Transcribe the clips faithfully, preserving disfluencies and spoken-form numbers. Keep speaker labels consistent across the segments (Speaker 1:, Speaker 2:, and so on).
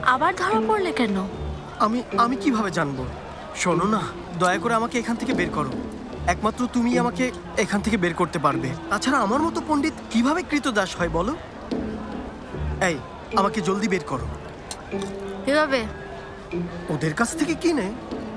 Speaker 1: আবার ধরা পড়লে কেন?
Speaker 2: আমি আমি কিভাবে জানবো? শোনো না, দয়া করে আমাকে এখান থেকে বের করো। একমাত্র তুমি আমাকে এখান থেকে বের করতে পারবে। তাছাড়া আমার মতো পণ্ডিত কিভাবে কৃতদাস হয় বলো? এই, আমাকে জলদি বের করো।
Speaker 1: কিভাবে?
Speaker 2: ওদের কাছ থেকে কিনে?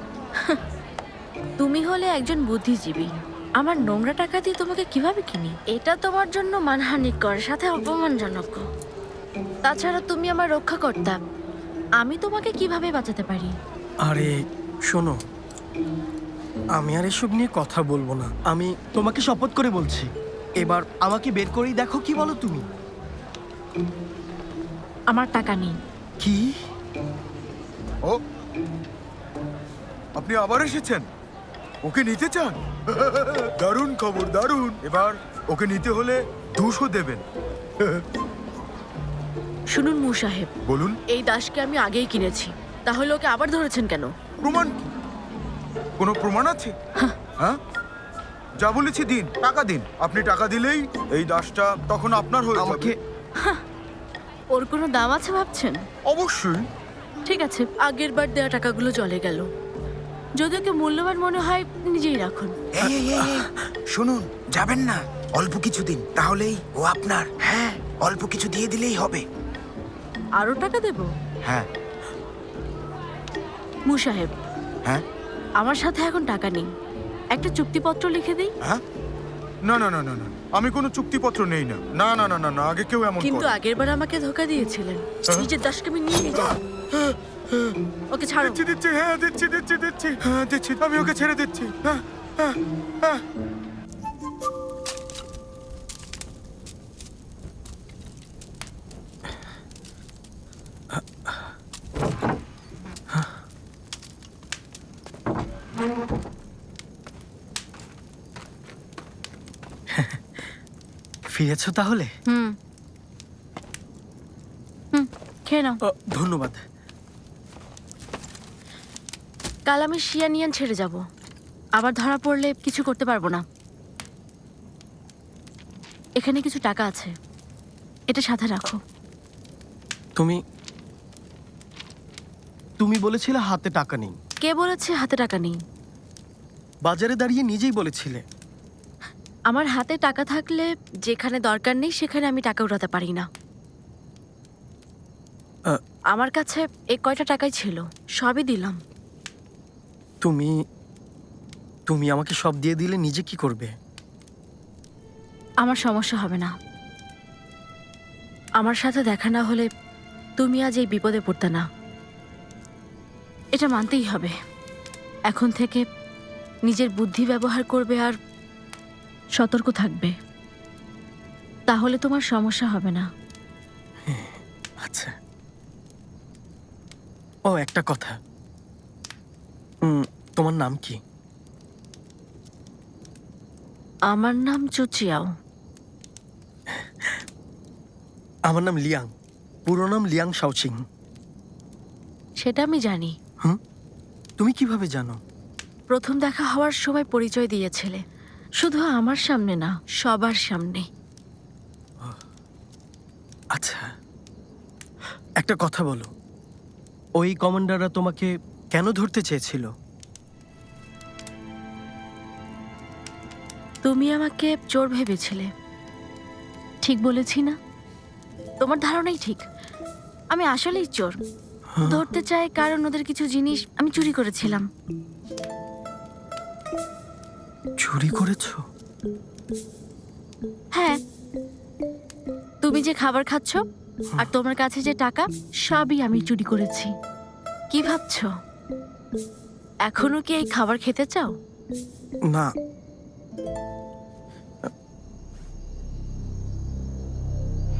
Speaker 1: তুমি হলে একজন বুদ্ধিজীবী, আমার নোংরা টাকা দিয়ে তোমাকে কিভাবে কিনি? এটা তোমার জন্য মানহানিকর, সাথে অপমানজনক। তাছাড়া তুমি আমার রক্ষাকর্তা, আমি তোমাকে কিভাবে বাঁচাতে পারি?
Speaker 2: আরে শোনো, আমি আর এসব নিয়ে কথা বলবো না। আমি তোমাকে শপথ করে বলছি, এবার আমাকে বের করেই দেখো। কি বলো তুমি?
Speaker 1: আমার টাকা নেই।
Speaker 2: কি?
Speaker 3: ও, আপনি আবার এসেছেন? ওকে নিতে চান? দারুণ খবর, দারুণ। এবার ওকে নিতে হলে দুশো দেবেন।
Speaker 1: শুনুন মু সাহেব,
Speaker 3: বলুন।
Speaker 1: এই দাসকে আমি আগেই কিনেছি, তাহলে ওকে আবার ধরেছেন কেন?
Speaker 3: প্রমাণ কি? কোনো প্রমাণ আছে? হ্যাঁ, যা বলেছি দিন, টাকা দিন। আপনি টাকা দিলেই এই দাসটা তখন আপনার হয়ে যাবে।
Speaker 2: আমাকে
Speaker 1: ওর কোনো দাম আছে ভাবছেন?
Speaker 3: অবশ্যই।
Speaker 1: ঠিক আছে, আগের বার দেওয়া টাকাগুলো চলে গেল। যদি ওকে মূল্যবান মনে হয় নিজেই রাখুন।
Speaker 4: এই, এই, এই, এই, শুনুন, যাবেন না। অল্প কিছু দিন, তাহলেই ও আপনার। হ্যাঁ, অল্প কিছু দিয়ে দিলেই হবে।
Speaker 1: আরো টাকা দেব?
Speaker 3: হ্যাঁ।
Speaker 1: মু সাহেব,
Speaker 3: হ্যাঁ।
Speaker 1: আমার সাথে এখন টাকা নেই, একটা চুক্তিপত্র লিখে দিই।
Speaker 3: হ্যাঁ, না না না না না, আমি কোনো চুক্তিপত্র নেই না। না না না না না, আগে কেউ এমন
Speaker 1: কিন্তু
Speaker 3: করে।
Speaker 1: আগের বার আমাকে ধোকা দিয়েছিলেন। নিজের দাসকে আমি নিয়ে নিয়ে যাব। ওকে ছাড়ো।
Speaker 3: দিচ্ছি দিচ্ছি, হ্যাঁ দিচ্ছি দিচ্ছি দিচ্ছি, হ্যাঁ দিচ্ছি, আমি ওকে ছেড়ে দিচ্ছি। হ্যাঁ হ্যাঁ হ্যাঁ।
Speaker 2: ফিরেছো তাহলে?
Speaker 1: হুম হুম খেয়ে নাও।
Speaker 2: ও, ধন্যবাদ।
Speaker 1: কাল আমি শিয়ানিয়ান ছেড়ে যাব, আবার ধরা পড়লে কিছু করতে পারবো না। এখানে কিছু টাকা আছে, এটা সাথে রাখো।
Speaker 2: তুমি তুমি বলেছিলে হাতে টাকা নেই।
Speaker 1: কে বলেছে হাতে টাকা নেই?
Speaker 2: বাজারে দাঁড়িয়ে নিজেই বলেছিলে।
Speaker 1: আমার হাতে টাকা থাকলে যেখানে দরকার নেই সেখানে আমি টাকা উঠাতে পারি না।
Speaker 2: আ,
Speaker 1: আমার কাছে এই কয়টা টাকাই ছিল, সবই দিলাম।
Speaker 2: তুমি তুমি আমাকে সব দিয়ে দিলে নিজে কি করবে?
Speaker 1: আমার সমস্যা হবে না। আমার সাথে দেখা না হলে তুমি আজ এই বিপদে পড়তে না, এটা মানতেই হবে। এখন থেকে নিজের বুদ্ধি ব্যবহার করবে আর সতর্ক থাকবে, তাহলে তোমার সমস্যা হবে না।
Speaker 2: আচ্ছা। ও, একটা কথা, উম, তোমার নাম কি?
Speaker 1: আমার নাম চুচিয়াও।
Speaker 2: আমার নাম লিয়াং, পুরো নাম লিয়াং শাওচিং।
Speaker 1: সেটা আমি জানি।
Speaker 2: হুম, তুমি কিভাবে জানো?
Speaker 1: প্রথম দেখা হওয়ার সময় পরিচয় দিয়েছিলে, শুধু আমার সামনে না, সবার সামনে।
Speaker 2: আচ্ছা, একটা কথা বলো, ওই কমান্ডাররা তোমাকে কেন ধরতে চেয়েছিল?
Speaker 1: তুমি আমাকে চোর ভেবেছিলে, ঠিক বলেছি না? তোমার ধারণাই ঠিক, আমি আসলেই চোর। ধরতে চাই কারণ ওদের কিছু জিনিস আমি চুরি করেছিলাম।
Speaker 2: চুরি করেছো?
Speaker 1: হ্যাঁ, তুমি যে খাবার খাচ্ছ আর তোমার কাছে যে টাকা, সবই আমি চুরি করেছি। কি ভাবছো, এখনো কি এই খাবার খেতে চাও?
Speaker 2: না,